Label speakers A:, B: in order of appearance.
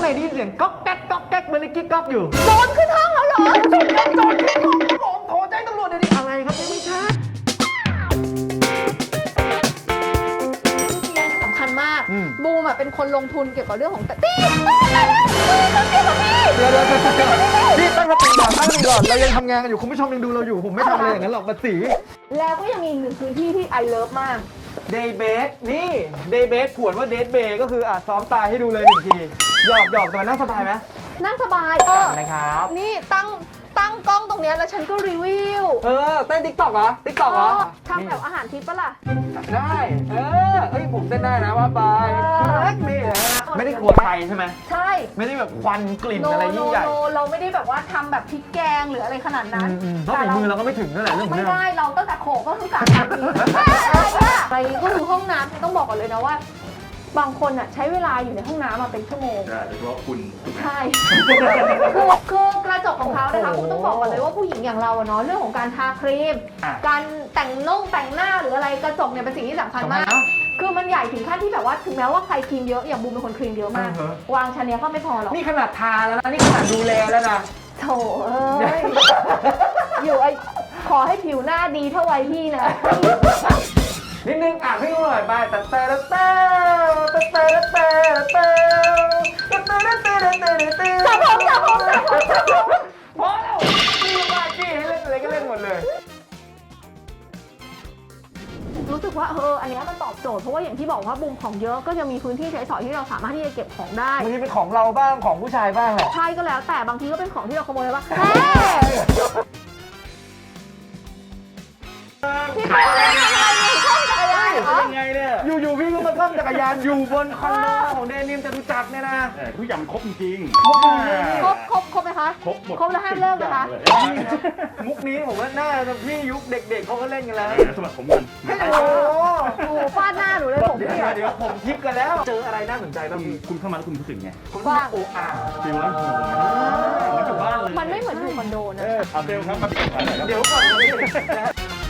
A: ในได้ยินเสียงก๊อกแก๊กก๊อกแก๊กเหมือนในกิ๊กก๊อกอยู่
B: โจรขึ้นห้องแล้วเหรอ
A: โจรขึ้นห้องครับผมโทรแจ้งตำรวจเดี๋ยวนี้อะไรครับไม่ใช่
B: สำคัญมาก
A: อืม
B: บูมอะเป็นคนลงทุนเกี่ยวกับเรื่องของตีต้องเกี่ยวกับพี่
A: เดี๋ยวพี่ตั้งสติก่อนเรายังทำงานกันอยู่คุณผู้ชมยังดูเราอยู่ผมไม่ทำอะไรอย่างนั้นหรอกบัดสี
B: แล้วก็ยังมีอีกหนึ่งพื้นที่ที่ไอเลิฟมาก
A: เดย์เบสนี่เดย์เบสผวนว่าเดทเบย์ก็คือซ้อมตายให้ดูเลย1 ทีหยอกแต่มันน่าสบายไหม
B: นั่งสบาย
A: นะครับ
B: นี่ตั้งกล้องตรงเนี้ยแล้วฉันก็รีวิว
A: เต้นติ๊กต็อกเหรอติ๊กต็อกเหรอ
B: ทำแบบอาหารทิพย์ปะล่ะ
A: ได้เอ้ยผมเต้นได้นะว่าไปนี่นะไม่ได้กลัวไฟใช่ไหม
B: ใช่
A: ไม่ได้แบบควันกลิ่นอะไรยิ่งใหญ่
B: เราไม่ได้แบบว่าทำแบบพริกแกงหรืออะไรขนาดนั้น
A: เพราะฝีมือเราก็ไม่ถึงนั่นแหละเรื่องของ
B: ไม่
A: เรื่อง
B: ได้เราตั้งแต่โขกก็คือการทำอะไรก็คือห้องน้ำต้องบอกก่อนเลยนะว่า บางคนอ่ะใช้เวลาอยู่ในห้องน้ำมาเป็นชั่วโมง
C: ใช่โดยเฉพาะคุณถูกไหม
B: ใช่คือกระจกของเขานะคะคุณต้องบอกก่อนเลยว่าผู้หญิงอย่างเราอะเนาะเรื่องของการทาครีม การแต่งหน้าหรืออะไรกระจกเนี่ยเป็นสิ่งที่สำคัญมาก คือมันใหญ่ถึงขั้นที่แบบว่าถึงแม้ว่าใครครีมเยอะอย่างบูมเป็นคนครีมเยอะมาก วางชั้นเนี้ยก็ไม่พอหรอก
A: นี่ขนาดทาแล้วนะนี่ขนาดดูแลแล้วนะ
B: โถเอ้ยอยู่ขอให้ผิวหน้าดีเท่าวัยพี่นะ
A: นิดนึงอ่านให้ดูหน่อยไปแต่พอแล้วนี่ว่าจี้ให้เล่นอะไรก็เล่นหมดเลย
B: รู้สึกว่าอันเนี้ยมันตอบโจทย์เพราะว่าอย่างที่บอกว่าบูมของเยอะก็จะมีพื้นที่ใช้สอยที่เราสามารถที่จะเก็บของได้
A: บางทีเป็นของเราบ้างของผู้ชายบ้างแหละ
B: ใช่ก็แล้วแต่บางทีก็เป็นของที่เราขโมยบ้างพี่โตเล่นอะไรอยู่ช่องจักรยานเหรอ
A: ยังไงเนี่ยอยู่ๆพี่ก็มาซ่อมจักรยานอยู่บนคอนโดของเดนิมจตุจักรเนี่ยนะ
C: ทุกอย่างมันครบจริง
B: ครบไหมคะ
C: ครบหมด
B: ครบแล้วห้ามเลิกนะคะ
A: มุกนี้ผมว่าน่าจะพี่ยุคเด็กๆเขาก็เล่นกันแล้ว
C: สมัครผมกัน
A: โอ้
B: โอ้ฟาดหน้าหนูเลยผม
A: เดี๋ยวผมทิปกันแล้ว เจออะไรน่าสนใจบ้างพี่
C: คุณเข้ามาแล้วคุณรู้สึกไง
A: ผมว่าโอ้อา
C: ฟิลนั้นเหมือนอยู่บ้านเลย
B: มันไม่เหมือนอยู่คอนโดนะ
C: เอาเซลครับมาปิดขายหน่อยครับ
A: เดี๋ยวก่อนนะพี่